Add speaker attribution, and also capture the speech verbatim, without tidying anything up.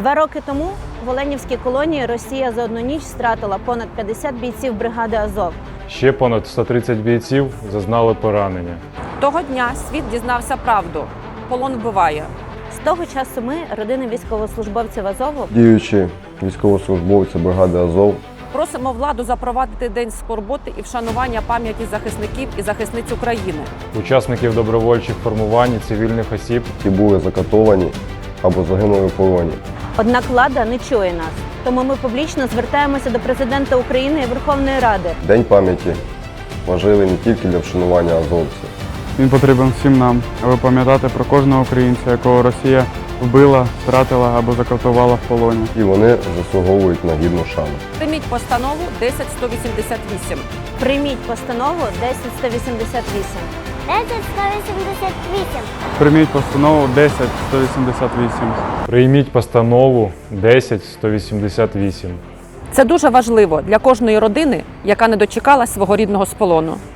Speaker 1: Два роки тому в Оленівській колонії Росія за одну ніч стратила понад п'ятдесят бійців бригади «Азов».
Speaker 2: Ще понад сто тридцять бійців зазнали поранення.
Speaker 3: Того дня світ дізнався правду. Полон вбиває.
Speaker 1: З того часу ми, родини військовослужбовців Азову,
Speaker 4: Діючі військовослужбовці бригади «Азов»,
Speaker 3: Просимо владу запровадити день скорботи і вшанування пам'яті захисників і захисниць України.
Speaker 2: Учасників добровольчих формувань і цивільних осіб,
Speaker 4: які були закатовані або загинули в полоні.
Speaker 1: однак влада не чує нас. Тому ми публічно звертаємося до президента України і Верховної Ради.
Speaker 4: День пам'яті важливий не тільки для вшанування азовців.
Speaker 5: Він потрібен всім нам, аби пам'ятати про кожного українця, якого Росія вбила, втратила або закатувала в полоні.
Speaker 4: І вони заслуговують на гідну шану.
Speaker 3: Прийміть постанову десять сто вісімдесят вісім.
Speaker 1: Прийміть постанову десять сто вісімдесят вісім.
Speaker 6: десять сто вісімдесят вісім.
Speaker 5: Прийміть постанову десять сто вісімдесят вісім.
Speaker 2: прийміть постанову десять сто вісімдесят вісім.
Speaker 3: Це дуже важливо для кожної родини, яка не дочекалась свого рідного з полону.